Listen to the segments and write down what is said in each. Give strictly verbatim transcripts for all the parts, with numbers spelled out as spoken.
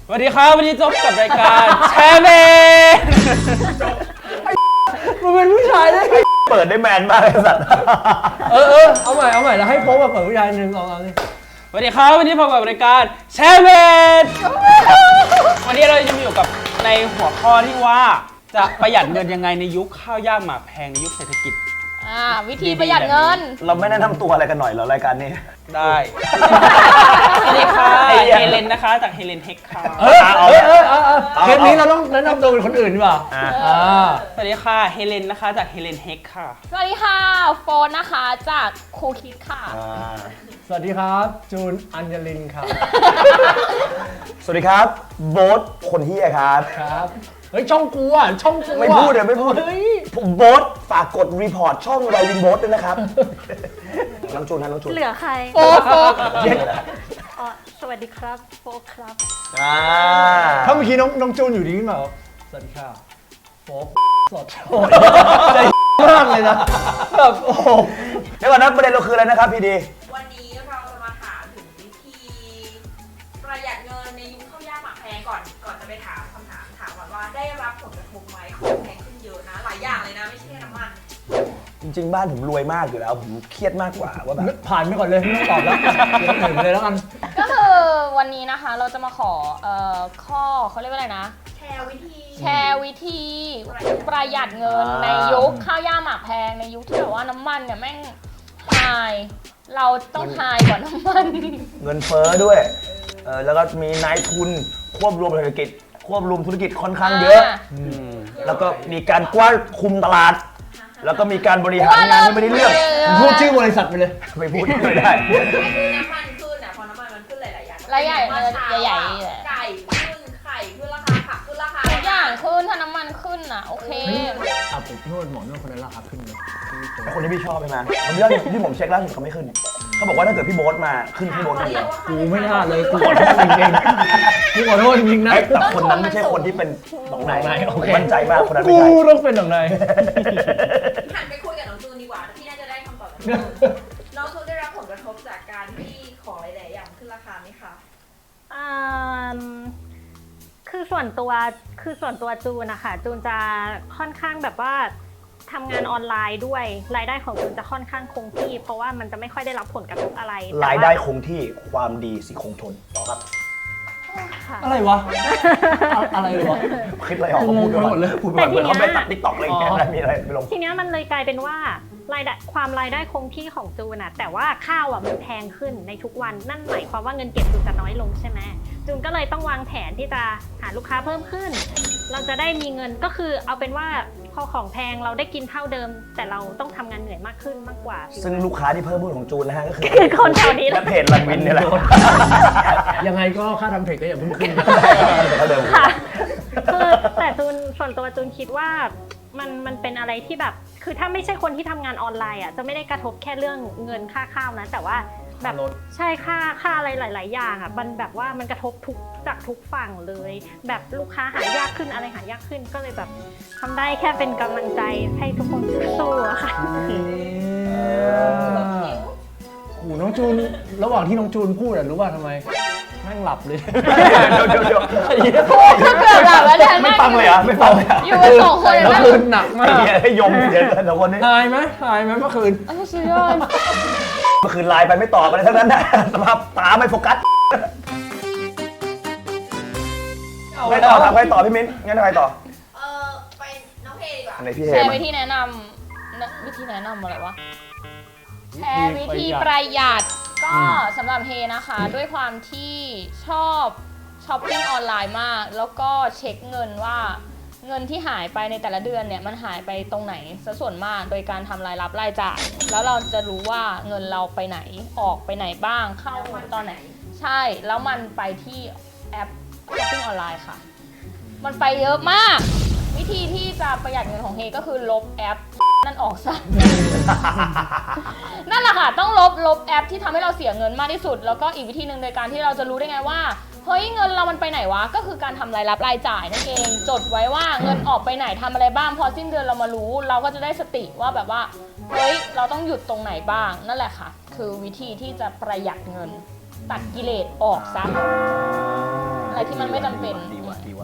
สวัสดีครับวันนี้จบกับรายการแชร์เมนมันเป็นผู้ชายได้เปิดได้แมนมากเลยสัตว์เออเออเอาใหม่เอาใหม่แล้วให้โป๊แบบเปิดผู้ชายหนึ่งสองสามนี่สวัสดีครับวันนี้พบกับรายการแชร์เมนวันนี้เราจะมาอยู่กับในหัวข้อที่ว่าจะประหยัดเงินยังไงในยุคข้าวยากหมากแพงในยุคเศรษฐกิจอ่าวิธีประหยัดเงินเราไม่แนะนำตัวอะไรกันหน่อยเหรอรายการนี้ได้สวัสดีค่ะเฮเลนนะคะจากเฮเลนเทคค่ะเออเออเออเออเทปนี้เราต้องแนะนำตัวเป็นคนอื่นดีกว่าสวัสดีค่ะเฮเลนนะคะจากเฮเลนเทคค่ะสวัสดีค่ะโฟนนะคะจากครูคิดค่ะสวัสดีครับจูนอัญญลินครับสวัสดีครับโบ๊ทคนเฮียครับครับเฮ้ยช่องกูอ่ะช่องกูไม่พูดเลยไม่พูดผมโบ๊ทฝากกดรีพอร์ตช่องไรวินโบ๊ทด้วยนะครับน้องจูนนะน้องจูนเหลือใครโฟกโฟกอ๋อสวัสดีครับโฟกครับอ่าถ้าเมื่อกี้น้องน้องจูนอยู่ดีขึ้นมาสวัสดีค่ะโฟกสดโอ้ยใจมากเลยนะแบบโอ้เดี๋ยวก่อนนะประเด็นเราคืออะไรนะครับพี่ดีวันนี้เราจะมาถามถึงวิธีประหยัดเงินในยุคข้าวยากหมากแพงก่อนก่อนจะไปถามคำถามถามก่อนว่าได้รับผลกระทบไหมของแพงขึ้นเยอะนะหลายอย่างเลยนะไม่ใช่แค่น้ำมันจริงๆบ้านผมรวยมากอยู่แล้วผมเครียดมากกว่าว่าแบบผ่านไปก่อนเลยไม่ต้องตอบแล้วเดี๋ยวอื่นเลยแล้วกันก็คือวันนี้นะคะเราจะมาขอเอ่อข้อเขาเรียกว่าอะไรนะแชร์วิธีแชร์วิธีประหยัดเงินในยุคข้าวยากหมากแพงในยุคที่แบบว่าน้ำมันเนี่ยแม่งไฮเราต้องไฮกว่าน้ำมันเงินเฟ้อด้วยเออแล้วก็มีนายทุนควบรวมเศรษฐกิจควบรวมธุรกิจค่อนข้างเยอะแล้วก็มีการกว้านคุมตลาดแล้วก็มีการบริหารงานที่ไม่ได้เรื่องพูดชื่อบริษัทไปเลยไม่พูดไม่ได้น้ำมันขึ้นอ่ะพอน้ำมันมันขึ้นหลายๆอย่างหลายอย่างใหญ่ๆไก่ขึ้นไข่ขึ้นราคาผักขึ้นราคาทุกอย่างขึ้นถ้าน้ำมันขึ้นอ่ะโอเคอ่ะผมนวดหมอนวดคนนั้นราคาขึ้นเลยคนที่พี่ชอบใช่ไหมผมเรื่องที่ผมเช็คล่าสุดเขาไม่ขึ้นเขาบอกว่าถ้าเกิดพี่โบ๊ทมาขึ้นพี่โบ๊ทคนเดียวกูไม่น่าเลยกูขอโทษจริงๆกูขอโทษจริงๆนะแต่คนนั้นไม่ใช่คนที่เป็นหนองในมั่นใจมากคนนั้นไม่ใช่กูต้องเป็นหนองในหันไปคุยกับน้องจูนดีกว่าที่น่าจะได้คำตอบน้องจูนได้รับผลกระทบจากการที่ของหลายๆอย่างขึ้นราคาไหมคะอ่าคือส่วนตัวคือส่วนตัวจูนนะคะจูนจะค่อนข้างแบบว่าทำงานออนไลน์ด้วยรายได้ของจูนจะค่อนข้างคงที่เพราะว่ามันจะไม่ค่อยได้รับผลกระทบอะไรรายได้คงที่ความดีสิคงทนต่อครับอะไรวะอะไรวะคิดอะไรออกก็พูดไปหมดเลยพูดไปหมดเลยเขาไปตัดติ๊กต็อกอะไรอย่างเงี้ยมีอะไรไปลงทีนี้มันเลยกลายเป็นว่ารายได้ความรายได้คงที่ของจูนอะแต่ว่าข้าวอะมันแพงขึ้นในทุกวันนั่นหมายความว่าเงินเก็บจูนจะน้อยลงใช่ไหมจูนก็เลยต้องวางแผนที่จะหาลูกค้าเพิ่มขึ้นเราจะได้มีเงินก็คือเอาเป็นว่าพอของแพงเราได้กินเท่าเดิมแต่เราต้องทำงานเหนื่อยมากขึ้นมากกว่าซึ่งลูกค้าที่เพิ่มขึ้นของจูนนะฮะก็คือคนแถวนี้และเพจลันวินนี่แหละยังไงก็ค่าทำเพจก็อย่าเพิ่งขึ้นค่ะคือแต่จูนส่วนตัวจูนคิดว่ามันมันเป็นอะไรที่แบบคือถ้าไม่ใช่คนที่ทำงานออนไลน์อ่ะจะไม่ได้กระทบแค่เรื่องเงินค่าข้าวนะแต่ว่าแบบใช่ค่าค่าอะไรหลายๆอย่างอ่ะมันแบบว่ามันกระทบทุกจากทุกฝั่งเลยแบบลูกค้าหายากขึ้นอะไรหายากขึ้นก็เลยแบบทำได้แค่เป็นกำลังใจให้ทุกคนสู้ๆค่ะโอ้น้องจูนระหว่างที่น้องจูนพูดอ่ะรู้ว่าทำไมแม่งหลับเลยเดี๋ยวเดี๋ยวเดี๋ยวพูดก็เกือบหลับแล้วแทนไม่ฟังเลยอ่ะไม่ฟังเลยอ่ะอยู่กันสองคนเมื่อคืนหนักมากให้ยมเดี๋ยวแต่คนนี้หายไหมหายไหมเมื่อคืนอ้าวสุดยอดเมื่อคืนไลน์ไปไม่ตอบอะไรทั้งนั้นนะสภาพตาไม่โฟกัสไม่ต่อทำไปต่อพี่มิ้นงั้นทำไมต่อเออไปน้องเพดีกว่าอันไหนพี่เฮแชร์วิธีแนะนำวิธีแนะนำอะไรวะแชร์วิธีประหยัดก็สำหรับเฮนะคะด้วยความที่ชอบช้อปปิ้งออนไลน์มากแล้วก็เช็คเงินว่าเงินที่หายไปในแต่ละเดือนเนี่ยมันหายไปตรงไหนซะส่วนมากโดยการทำรายรับรายจ่ายแล้วเราจะรู้ว่าเงินเราไปไหนออกไปไหนบ้างเข้าตอนไหนใช่แล้วมันไปที่แอปช้อปปิ้งออนไลน์ค่ะมันไปเยอะมากวิธีที่จะประหยัดเงินของเฮก็คือลบแอปนั่นออกซะนั่นแหละค่ะต้องลบลบแอปที่ทำให้เราเสียเงินมากที่สุดแล้วก็อีกวิธีหนึ่งโดยการที่เราจะรู้ได้ไงว่าเฮ้ยเงินเรามันไปไหนวะก็คือการทำรายรับรายจ่ายนั่นเองจดไว้ว่าเงินออกไปไหนทำอะไรบ้างพอสิ้นเดือนเรามารู้เราก็จะได้สติว่าแบบว่าเฮ้ยเราต้องหยุดตรงไหนบ้างนั่นแหละค่ะคือวิธีที่จะประหยัดเงินตัดกิเลสออกซะอะไรอะไรที่มันไม่จำเป็นดีว่ะดีว่ะ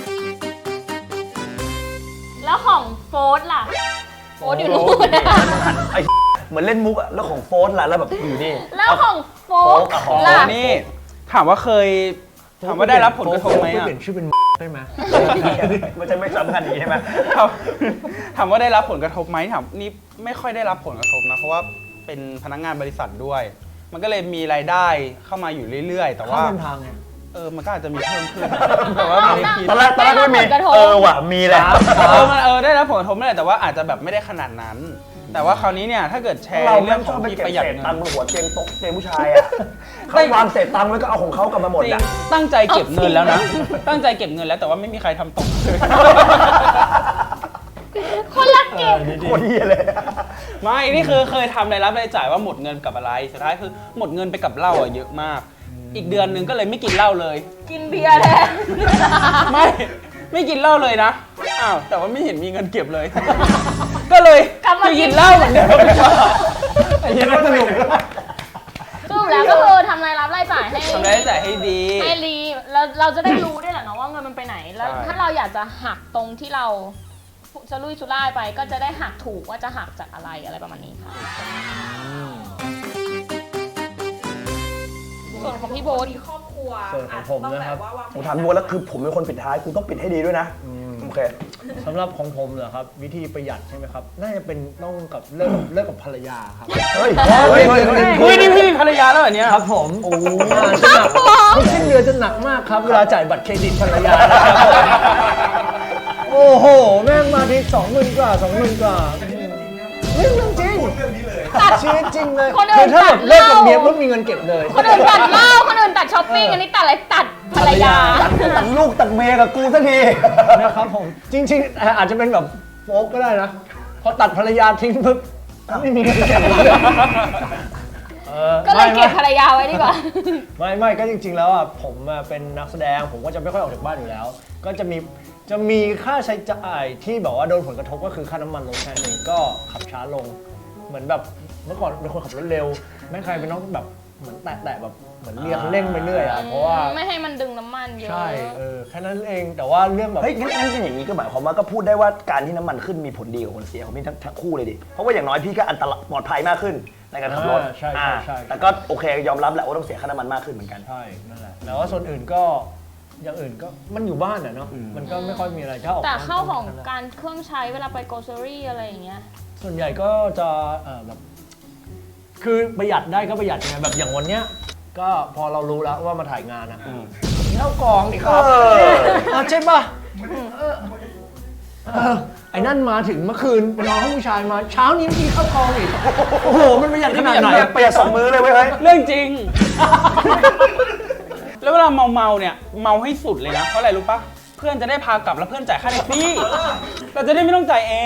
แล้วของโฟร์ล่ะโฟร์อยู่นู่นนะไอ้เหมือนเล่นมุกอะแล้วของโฟนล่ะแล้วแบบอยู่นี่แล้วของโฟร์ของโฟร์ล่ะนี่ถามว่าเคยถามว่าได้รับผลกระทบไหมอ่ะเปลี่ยนชื่อเป็นได้ไหมมันจะไม่สำคัญอย่างนี้ใช่ไหมถามถามว่าได้รับผลกระทบไหมถามนี่ไม่ค่อยได้รับผลกระทบนะเพราะว่าเป็นพนักงานบริษัทด้วย มันก็เลยมีรายได้เข้ามาอยู่เรื่อยๆ แต่เข้าว่าเดินทางไงเออมันก็อาจจะมีเพิ่มขึ้นแต่ว่าไม่ได้คิดตอนแรกตอนแรกก็ไม่มีได้รับผลกระทบเออว่ะมีแหละเออมันเออได้รับผลกระทบนั่นแหละแต่ว่าอาจจะแบบไม่ได้ขนาดนั้น แต่ว่าคราวนี้เนี่ยถ้าเกิดแชร์เราเรื่ไม่องชขออบ งไปที่เก็บประหยัดเศษเงิตังนค์บนหัวเตียงโต๊ะเตียงผู้ชายอะเขาวางเศษตังค์แล้วก็เอาของเขากลับมาหมดจริงอะตั้งใจเก็บเงินแล้วนะ ตั้งใจเก็บเงินแล้วแต่ว่าไม่มีใครทำตกเลยคนละเก็บโคตรเหี้ยเลยไม่ นี่คือเคยทำรายรับรายจ่ายว่าหมดเงินกับอะไร สุดท้ายคือหมดเงินไปกับเหล้าอะเยอะมาก อีกเดือนหนึงก็เลยไม่กินเหล้าเลยกินเบียร์แทนไม่ ไม่กินเหล้าเลยนะ อ้าว แต่ว่าไม่เห็นมีเงินเก็บเลย ก็เลยกลับมาจะกิกินนเหล้าเหมือนเดิมไอ้เหี้ยน่าสนุกสรุปแล้วก็คือทำรายรับรายจ่ายให้ทำรายรับรายจ่ายให้ดีให้รีแล้วเราจะได้รู้ด้วยแหละเนาะว่าเงินมันไปไหน แล้วใช่ถ้าเราอยากจะหักตรงที่เราจะลุยชุล่ายไป ก็จะได้หักถูกว่าจะหักจากอะไรอะไรประมาณนี้ค่ะ ส่วนของพี่โบ๊ทมีครอบครัวส่วนของผมนะครับอาจจต้องแว่าวางผมถามดูแล้วคือผมเป็นคนปิดท้ายคุณต้องปิดให้ดีด้วยนะโอเคสำหรับของผมเหรอครับ วิธีประหยัดใช่ไหมครับ น่าจะเป็นต้องกับเลิกกับเลิกกับภรรยาครับเฮ้ยเฮ้ยเฮ้ยเฮ้ยเฮ้ยนี่พี่มีภรรยาแล้วเหรอเนี่ยครับผมโอ้จะหนักทุกสิ้นเดือนจะหนักมากครับ เวลาจ่ายบัตรเครดิตภรรยานะครับโอ้โห แม่งมาทีสองหมื่นกว่าสองหมื่นกว่าเรื่องจริงชีวิตจริงเลยคนอื่นคือถ้าแบบตัดเลิกกับเหล้าเมียปุ๊บมีเงินเก็บเลยคนอื่นตัดเหล้าคนอื่นตัดช้อปปิ้งอันนี้ตัดอะไรตัดภรรยาตัดลูกตัดเมียกับกูสักทีนะครับผม จริงๆ อาจจะเป็นแบบโฟกก็ได้นะ พอตัดภรรยาทิ้งปุ๊บไม่มีเงินเก็บเลยออก็เลยเก็บไม่ภรรยาไว้ดีกว่าไม่ไม่ก็จริง ๆ แล้วอ่ะผมอ่ะเป็นนักแสดงผมก็จะไม่ค่อยออกจากบ้านอยู่แล้ว ก็จะมีจะมีค่าใช้จ่ายที่แบบว่าโดนผลกระทบก็คือค่าน้ำมันลงแค่นี้ก็ขับช้าลง เหมือนแบบเมื่อก่อนเป็นคนขับรถเร็วไม่ใครเป็นน้องแบบเหมือนแตะๆแบบเหมือนเรียกเร่งไปเรื่อยอ่ะเพราะว่าไม่ให้มันดึงน้ำมันเยอะใช่เออแค่นั้นเองแต่ว่าเรื่องแบบเฮ้ยงั้นงั้นเป็นอย่างนี้ก็หมายความว่าก็พูดได้ว่าการที่น้ำมันขึ้นมีผลดีกับคนเสียของพี่ทั้งทั้งคู่เลยดิ เพราะว่าอย่างน้อยพี่ก็อันตรายปลอดภัยมากขึ้นในการขับรถอ่าใช่ใช่อ่าใช่แต่ก็โอเคยอมรับแหละว่าต้องเสียค่าน้ำมันมากขึ้นเหมือนกันใช่นั่นแหละแต่ว่าส่วนอื่นก็อย่างอื่นก็มันอยู่บ้านอะเนาะมันก็ไม่ค่อยมีอะไรถ้าออกแต่บ้นเข้าของนั่นแหละการเครื่องใช้เวลาไปโกลเซอรี่อะไรอย่างเงี้ยส่วนใหญ่ก็จะเอ่อแบบคือประหยัดได้ก็ประหยัดไงแบบอย่างวันเนี้ยก็พอเรารู้แล้วว่ามาถ่ายงานอะกินข้าวกล่องดิครับเออเออใช่ป่ะเออเออไอ้นั่นมาถึงเมื่อคืนไปนอนห้องผู้ชายมาเช้านี้กินข้าวกล่องอีกโอ้โหมันประหยัดขนาดไหนเปลี่ยนเปลี่ยนสองมือเลยเว้ยเฮ้ยเรื่องจริง แล้วเวลาเมาเมาๆเนี่ยเมาให้สุดเลยนะ เพราะอะไรรู้ปะเพื่อนจะได้พากลับแล้วเพื่อนจ่ายค่าแท็กซี่ เราจะได้ไม่ต้องจ่ายเอง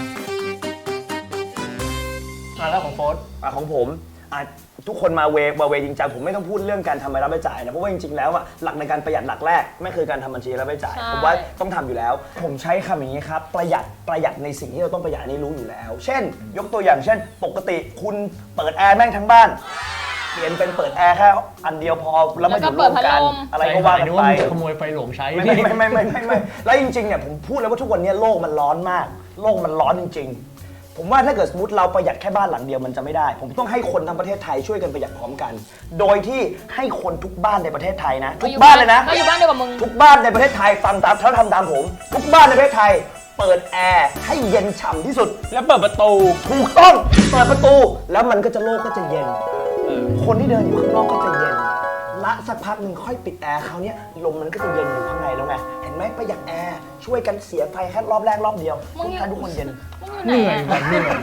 อ่ะแล้วของโฟสอ่ะของผมอ่ะทุกคนมาเวมาเวจริงจังผมไม่ต้องพูดเรื่องการทำรายรับรายจ่ายนะเพราะว่าจริงๆแล้วอ่ะหลักในการประหยัดหลักแรกไม่คือการทำบัญชีรายรับรายจ่ายใช่ผมว่าต้องทำอยู่แล้ว ผมใช้คำอย่างนี้ครับประหยัดประหยัดในสิ่งที่เราต้องประหยัดอันนี้รู้อยู่แล้ว เช่น ยกตัวอย่างเช่น ปกติคุณเปิดแอร์แม่งทั้งบ้านเปลี่ยนเป็นเปิดแอร์แค่อันเดียวพอแล้วมาอยู่ร่วมกันอะไรก็ว่ากันนึกไปว่ามึงจะขโมยไฟหลวงใช้ไม่ไม่ไม่ไม่ไม่ไม่แล้วจริงๆเนี่ยผมพูดแล้วว่าทุกวันนี้โลกมันร้อนมาก โลกมันร้อนจริง ๆ ผมว่าถ้าเกิดสมมติเราประหยัดแค่บ้านหลังเดียวมันจะไม่ได้ ผมต้องให้คนทั้งประเทศไทยช่วยกันประหยัดพร้อมกัน โดยที่ให้คนทุกบ้านในประเทศไทยนะทุกบ้านเลยนะก็อยู่บ้านเดียวกับมึงทุกบ้านในประเทศไทยฟังตามถ้าทำตามผม ทุกบ้านในประเทศไทย เปิดแอร์ให้เย็นฉ่ำที่สุดแล้วเปิดประตูถูกต้องเปิดประตูแล้วมันก็จะโลกก็จะเย็น คนที่เดินอยู่ข้างนอกก็จะเย็นละสักพักหนึ่งค่อยปิดแอร์คราวเนี้ยลมมันก็จะเย็นอยู่ข้างในแล้วไงเห็นไหมประหยัดแอร์ช่วยกันเสียไฟแค่รอบแรกรอบเดียวมึงทุกท่านทุกคนเย็นมึงอยู่เหไหนนื่อยอะแบบเหนื่อย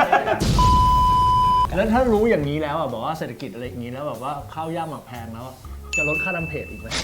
แล้วถ้ารู้อย่างนี้แล้วอ่ะบอกว่าเศรษฐกิจอะไรอย่างนี้แล้วแบบว่าข้าวยากหมากแพงแล้วอะจะลดค่าน้ำเพจอีกไหม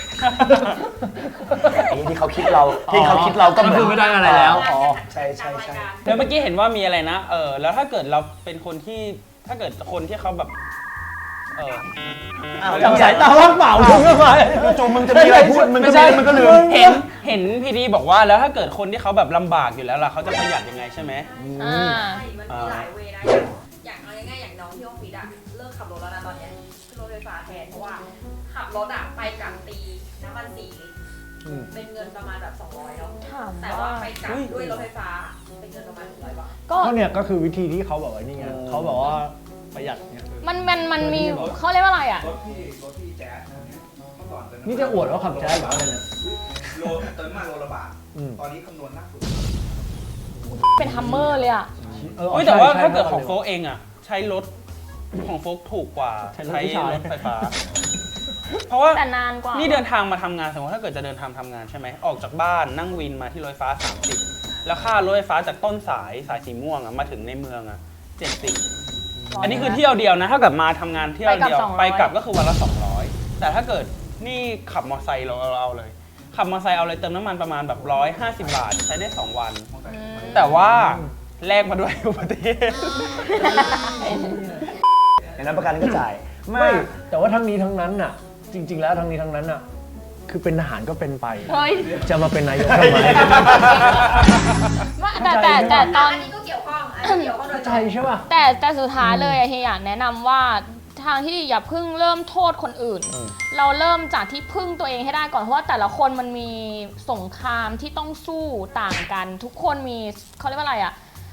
ไอ้ที่เขาคิดเราที่เขาคิดเราก็เหมือนก็คือไม่ได้อะไรแล้วอ๋อใช่ใช่ใช่แล้วเมื่อกี้เห็นว่ามีอะไรนะ เออ แล้วถ้าเกิดเราเป็นคนที่ ถ้าเกิดคนที่เขาแบบ เออจับสายตาว่างเปล่ามึงก็ไปจู่ๆมึงจะมีอะไรพูดมึงก็ไม่ใช่มึงก็ลืมเห็น เห็นพีดีบอกว่าแล้วถ้าเกิดคนที่เขาแบบลำบากอยู่แล้วล่ะเขาจะประหยัดยังไงใช่ไหมอ่าใช่มันมีหลายเวย์นะ อย่างอย่างเอาง่ายๆอย่างน้องที่ออฟฟิศอะเลิกขับรถแล้วนะตอนเนี้ยขึ้นรถไฟฟ้าแทนเพราะว่าขับรถอะไปกลับตีน้ำมันสี่ลิตรอืมเป็นเงินประมาณแบบสองร้อยเนาะถามแต่ว่าว่าไปกลับด้วยรถไฟฟ้าเป็นเงินประมาณหนึ่งร้อยบาทก็ก็เนี่ยก็คือวิธีที่เขาบอกว่านี่ไงเขาบอกว่าประหยัดเนี่ยมันมันมันมีเขาเรียกว่าอะไรอ่ะรถพี่รถพี่แจ๊สเนี่ยเมื่อก่อนเติมนี่จะอวดว่าขับแจ๊สหรืออะไรเนี่ยโลเติมน้ำมันโลละบาทอืมตอนนี้คำนวณล่าสุดเป็นฮัมเมอร์เลยอ่ะเออเฮ้ยแต่ว่าใช่ถ้าเกิดใช่ของโฟกเองอ่ะ ใช้รถของโฟกถูกกว่าใช้รถใช้ผู้ชายรถไฟฟ้า เพราะว่าแต่นานกว่านี่เดินทางมาทำงานสมมติถ้าเกิดจะเดินทางทำงานใช่ไหมออกจากบ้านนั่งวินมาที่รถไฟฟ้าสามสิบแล้วค่ารถไฟฟ้าจากต้นสายสายสีม่วงอ่ะมาถึงในเมืองอ่ะเจ็ดสิบอันนี้คือเที่ยวเดียวนะถ้าเกิดมาทำงานเที่ยวเดียวไปกลับก็คือวันละสองร้อยแต่ถ้าเกิดนี่ขับมอเตอร์ไซค์เราเราเอาเลย ขับมอเตอร์ไซค์เอาเลยเติมน้ำมันประมาณแบบร้อยห้าสิบบาทใช้ได้สองวันอืมแต่ว่าแลกมาด้วย อุบัติเหตุอย่างนั้นประกันก็จ่ายไม่แต่ว่าทั้งนี้ทั้งนั้นน่ะ จริง ๆ แล้วทั้งนี้ทั้งนั้นน่ะ คือเป็นทหารก็เป็นไปเฮ้ยจะมาเป็นนายกทำไมว่าแต่แต่แต่ตอนอันนี้ก็เกี่ยวข้องอันนี้เกี่ยวข้องโดยตใจรงใช่ป่ะแต่แต่สุดท้ายเลยอะเฮียอยากแนะนำว่าทางที่อย่าเพิ่งเริ่มโทษคนอื่นอืมเราเริ่มจากที่พึ่งตัวเองให้ได้ก่อนเพราะว่าแต่ละคนมันมีสงครามที่ต้องสู้ต่างกัน ทุกคนมีเขาเรียกว่าอะไรอะ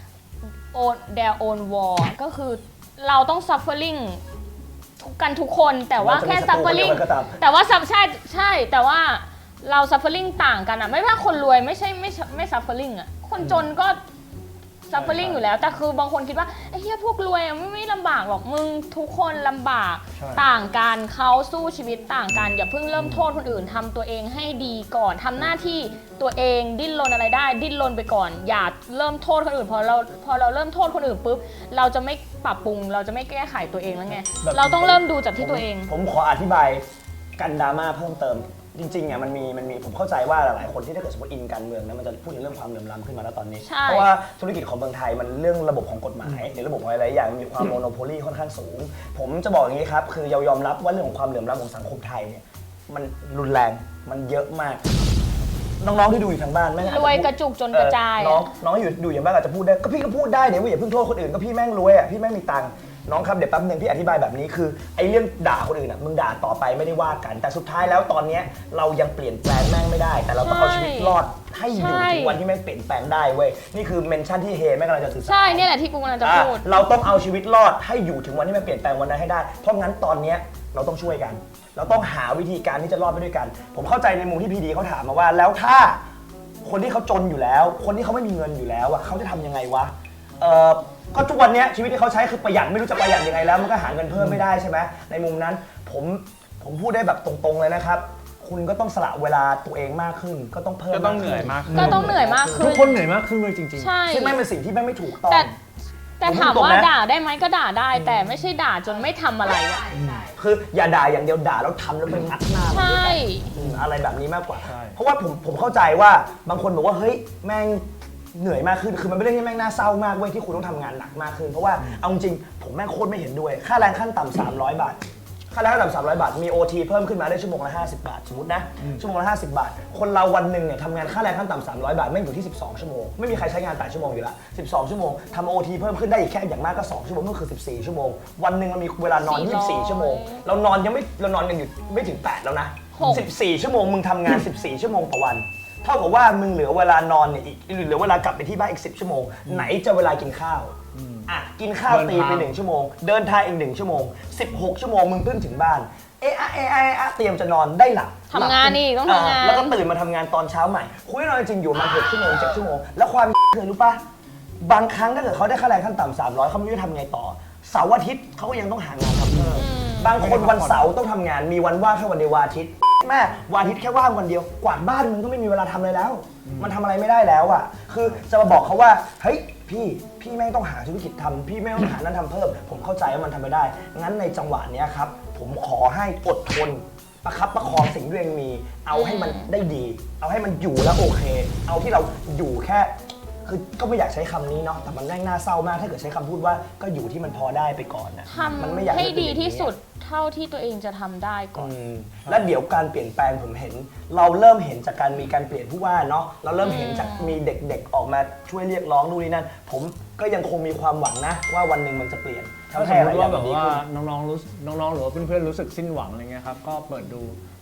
own their own war ก็คือเราต้อง suffering ทุกกันทุกคนแต่ว่าแค่ suffering ก็ตามแต่ว่า sub- ใช่ใช่แต่ว่าเรา suffering ต่างกันอะไม่ว่าคนรวยไม่ใช่ไม่ไม่ suffering อะคนจนก็ suffering อยู่แล้วแต่คือบางคนคิดว่าไอ้เหี้ยพวกรวยอะไม่ไม่ลำบากหรอกมึงทุกคนลำบากใช่ต่างกันเขาสู้ชีวิตต่างกันอย่าเพิ่งเริ่มโทษคนอื่นทำตัวเองให้ดีก่อนทำหน้าที่ตัวเองดิ้นรนอะไรได้ ดิ้นรนไปก่อน อย่าเริ่มโทษคนอื่นพอเราพอเราเริ่มโทษคนอื่นปุ๊บเราจะไม่ปรับปรุง เราจะไม่แก้ไขตัวเองแล้วไงแบบเราต้องเริ่มดูจากที่ตัวเองผมขออธิบายกันดราม่าเพิ่มเติม จริงๆอ่ะมันมีมันมีผมเข้าใจว่าหลายๆคนที่ถ้าเกิดสมมติอินการเมืองนะมันจะพูดถึงเรื่องความเหลื่อมล้ำขึ้นมาแล้วตอนนี้ใช่เพราะว่าธุรกิจของเมืองไทยมันเรื่องระบบของกฎหมายหรือระบบของอะไรหลายอย่างมีความโมโนโพลีค่อนข้างสูง ผมจะบอกอย่างนี้ครับคือยอมรับว่าเรื่องของความเหลื่อมล้ำของสังคมไทยเนี่ยมันรุนแรงมันเยอะมาก น้องๆที่ดูอยู่ทางบ้านแม่งอาจรจะวยพูดกระจุกจนกระจายเออน้องอะน้องอยู่ดูอย่างบ้านอาจจะพูดได้ก็พี่ก็พูดได้เนี่ยว่าอย่าเพิ่งโทษคนอื่นก็พี่แม่งรวยอ่ะพี่แม่งมีตังค์น้องครับเดี๋ยวแป๊บนึงพี่อธิบายแบบนี้คือไอ้เรื่องด่าคนอื่นอ่ะมึงด่าต่อไปไม่ได้ว่ากัน แต่สุดท้ายแล้วตอนเนี้ยเรายังเปลี่ยนแปลงแม่งไม่ได้ แต่เราต้องเอาชีวิตรอดให้อยู่ถึงวันที่แม่งเปลี่ยนแปลงได้เว้ยนี่คือเมนชั่นที่เฮแม่งกำลังจะสื่อสารใช่เนี่ยแหละที่กูกำลังจะพูดอ่ะเราต้องเอาชีวิตรอดให้อยู่ถึงวันที่มันเปลี่ยนแปลงวันนั้นให้ได้ เพราะงั้นตอนเนี้ยเราต้องช่วยกัน เราต้องหาวิธีการที่จะรอดไปด้วยกัน ผมเข้าใจในมุมที่พีดีเขาถามมาว่า แล้วถ้าคนที่เขาจนอยู่แล้ว คนที่เขาไม่มีเงินอยู่แล้วอ่ะเขาจะทำยังไงวะเออก็ทุกวันเนี้ยชีวิตที่เขาใช้คือประหยัดไม่รู้จะประหยัดยังไงแล้วมันก็หาเงินเพิ่มไม่ได้ใช่ไหมในมุมนั้นผมผมพูดได้แบบตรงๆเลยนะครับ คุณก็ต้องสละเวลาตัวเองมากขึ้น ก็ต้องเพิ่มก็ต้องเหนื่อยมากขึ้นก็ต้องเหนื่อยมากขึ้นทุกคนเหนื่อยมากขึ้นเลยจริงใช่ซึ่งแม่งเป็นสิ่งที่แม่งไม่ถูกต้องแต่แต่ถามผมพูดตรงว่านะด่าได้ไหมก็ด่าได้ แต่ไม่ใช่ด่าจนไม่ทำอะไรอะคืออย่าด่าอย่างเดียวด่าแล้วทำแล้วไปงัดหน้ามันใช่ด้วยกันอืมอะไรแบบนี้มากกว่าใช่เพราะว่าผมผมเข้าใจว่าบางคนบอกว่าเฮ้ยแม่งเหนื่อยมากขึ้น คือมันเป็นเรื่องที่แม่งน่าเศร้ามากเว้ยที่คุณต้องทำงานหนักมากขึ้น เพราะว่าเอาจริงผมแม่งโคตรไม่เห็นด้วย ค่าแรงขั้นต่ำสามร้อยบาท ค่าแรงขั้นต่ำสามร้อยบาท มี โอ ที เพิ่มขึ้นมาได้ชั่วโมงละห้าสิบบาท สมมตินะ ชั่วโมงละห้าสิบบาท คนเราวันหนึ่งเนี่ยทำงานค่าแรงขั้นต่ำสามร้อยบาทแม่งอยู่ที่สิบสองชั่วโมง ไม่มีใครใช้งานแปดชั่วโมงอยู่ละสิบสองชั่วโมงทำ โอ ที เพิ่มขึ้นได้อีกแค่อย่างมากก็สองชั่วโมงก็คือสิบสี่ชั่วโมง วันหนึ่งมันมีเวลานอนยี่สิบสี่ชั่วโมง เรานอนยังไม่เรานอนกันอยู่ไม่ถึงแปดแล้วนะหกสิบสี่ชั่วโมงมึงทำงาน สิบสี่ชั่วโมงต่อวัน เท่ากับว่ามึงเหลือเวลานอนเนี่ยอีกเหลือเวลากลับไปที่บ้านอีกสิบชั่วโมง ไหนจะเวลากินข้าวอ่ะกินข้าวตีไปหนึ่งชั่วโมง เดินทางอีกหนึ่งชั่วโมงสิบหกชั่วโมงมึงเพิ่งถึงบ้านเอะอะเอะอะเอะอะเตรียมจะนอนได้หลับทำงานอีกต้องทำงานเแล้วก็ตื่นมาทำงานตอนเช้าใหม่คุยนอนจริงอยู่มาหกชั่วโมงเจ็ดชั่วโมงแล้วความคือรู้ปะบางครั้งถ้าเกิดเขาได้ค่าแรงขั้นต่ำสามร้อยเขาไม่รู้จะทำไงต่อเสาร์อาทิตย์เขาก็ยังต้องหางานทำเพิ่ม บางคนวันเสาร์ต้องทำงานมีวันว่างแค่วันเดียววันอาทิตย์แม่วันอาทิตย์แค่ว่างวันเดียวกวาดบ้านมึงก็ไม่มีเวลาทำเลยแล้ว มันทำอะไรไม่ได้แล้วอ่ะคือจะมาบอกเขาว่าเฮ้ยพี่พี่แม่งต้องหาธุรกิจทำพี่แม่งต้องหานั้นทำเพิ่ม ผมเข้าใจว่ามันทำไม่ได้งั้นในจังหวะเนี้ยครับผมขอให้อดทนประคับประคองสิ่งที่ตัวเองมี เอาให้มันได้ดี เอาให้มันอยู่แล้วโอเค เอาที่เราอยู่แค่คือก็ไม่อยากใช้คำนี้เนาะแต่มันแม่งน่าเศร้ามากถ้าเกิดใช้คำพูดว่าก็อยู่ที่มันพอได้ไปก่อนนะทมันไม่อยากำให้เป็นดีอย่างนี้ที่สุดเท่าที่ตัวเองจะทำได้ก่อนอืมและเดี๋ยวการเปลี่ยนแปลงผมเห็น เราเริ่มเห็นจากการมีการเปลี่ยนผู้ว่าเนาะเราเริ่มเห็นจากมีเด็กๆออกมาช่วยเรียกร้องนู่นนี่นั่นผมก็ยังคงมีความหวังนะว่าวันหนึ่งมันจะเปลี่ยนๆ ถ้าทำสให้มอะมไรติอย่าว่าง แบบดีว่าขึ้นน้องๆรู้น้องๆหรือว่าเพื่อนๆรู้สึกสิ้นหวังอะไรเงี้ยครับก็เปิดดู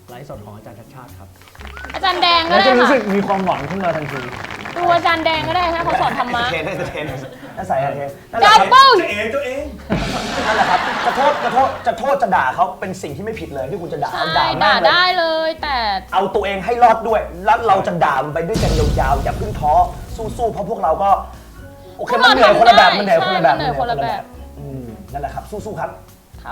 ไลฟ์สดของอาจารย์ชัดชาติครับอาจารย์แดงก็แล้วได้จะรู้สึค่ะกมีความหวังขึ้นมาทันทีดูอาจารย์แดงก็ได้ให้เขาสอนธรรมะเทนได้เทนน่าใส่อะเทนนั่นแหละดับครับเบิ้ลตัวเองตัวเองนั่นแหละครับจะโทษจะโทษจะโทษจะด่าเขาเป็นสิ่งที่ไม่ผิดเลยที่คุณจะด่าใช่ด่าด่าแม่งเลยได้เลยแต่เอาตัวเองให้รอดด้วย แล้วเราจะด่ามันไปด้วยกันยาวๆอย่าเพิ่งท้อสู้ๆเพราะพวกเราก็โอเคมันเหนื่อยคนละแบบมันเหนื่อยคนละแบบใช่มันเหนื่อยคนละแบบอืมนั่นแหละครับสู้ๆครับครับ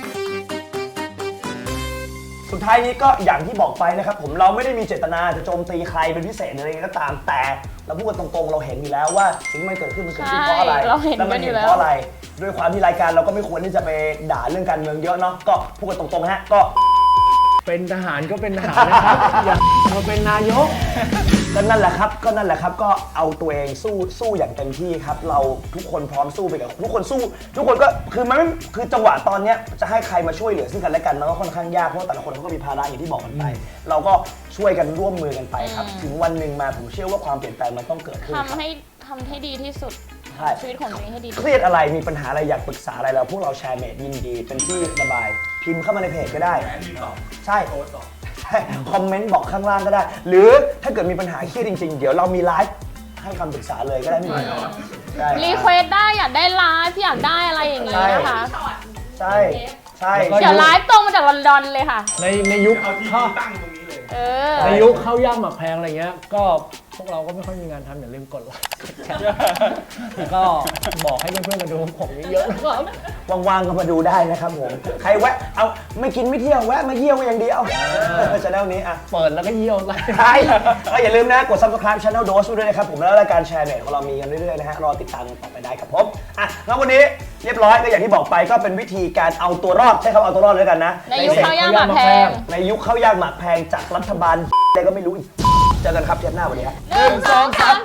สุดท้ายนี้ก็อย่างที่บอกไปนะครับผมเราไม่ได้มีเจตนาจะโจมตีใครเป็นพิเศษหรืออะไรก็ตามแต่เราพูดกันตรงๆเราเห็นอยู่แล้วว่าสิ่งที่มันเกิดขึ้นมันเกิดขึ้นเพราะอะไรใช่เราเห็นแล้วมักันอยู่เห็นแล้วเพราะอะไรด้วยความที่รายการเราก็ไม่ควรที่จะไปด่าเรื่องการเมืองเยอะเนาะก็พูดกันตรงๆฮะก็เป็นทหารก็เป็นทหารนะครับ อย่ามาเป็นนายกก็นั่นแหละครับก็นั่นแหละครับก็เอาตัวเองสู้สู้อย่างเต็มที่ครับเราทุกคนพร้อมสู้ไปกับทุกคนสู้ ทุกคนก็คือมันไม่คือจังหวะตอนเนี้ยจะให้ใครมาช่วยเหลือซึ่งกันและกันมันก็ค่อนข้างยากเพราะว่าแต่ละคนเขาก็มีภาระอย่างที่บอกกันไป เราก็ช่วยกันร่วมมือกันไปครับอืมถึงวันหนึ่งมาผมเชื่อว่าความเปลี่ยนแปลงมันต้องเกิดขึ้นครับทำให้ทำให้ดีที่สุดใช่ชีวิตของตัวเองให้ดีที่เคสุดรียดอะไรมีปัญหาอะไรอยากปรึกษาอะไรเราพวกเราแชร์เมดยินดีเป็นที่ระบาย พิมพ์เข้ามาในเพจก็ได้แอนมีตอบใช่โอ๊ตตอบใช่คอมเมนต์บอกข้างล่างก็ได้ หรือถ้าเกิดมีปัญหาเครียดจริงๆ เดี๋ยวเรามีไลฟ์ให้คำปรึกษาเลยก็ได้ไม่มีปัญหาใช่รีเควสได้อยากได้ไลฟ์อยากได้อะไรอย่างนี้นะคะใช่ใช่แล้วก็เดี๋ยวไลฟ์ตรงมาจากลอนดอนเลยค่ะในในยุคเอาที่เข้าตั้งตรงนี้เลยเออในยุคเข้ายากหมักแพงอะไรเงี้ย ก็พวกเราก็ไม่ค่อยมีงานทำอย่าลืมกดไลค์กดแชร์แล้วก็บอกให้เพื่อนๆมาดูผมเยอะๆนะครับว่างๆก็มาดูได้นะครับผมใครแวะเอาไม่กินไม่เที่ยวแวะมาเยี่ยวก็ยังดีเอาช anel นี้อ่ะเปิดแล้วก็เยี่ยวไลค์ใช่ก็อย่าลืมนะกด subscribe channel Dose ด้วยนะครับผมแล้วรายการแชร์เน็ตของเรามีกันเรื่อยๆนะฮะรอติดตามกันต่อไปได้ครับผมอ่ะแล้ววันนี้เรียบร้อยก็อย่างที่บอกไปก็เป็นวิธีการเอาตัวรอดใช้คำเอาตัวรอดเลยกันนะในยุคข้าวยากหมากแพงในยุคข้าวยากหมากแพงจากรัฐบาลอะไรก็ไม่รู้อีกเจอกันครับเทปหน้าวันนี้ฮะหนึ่งสองสาม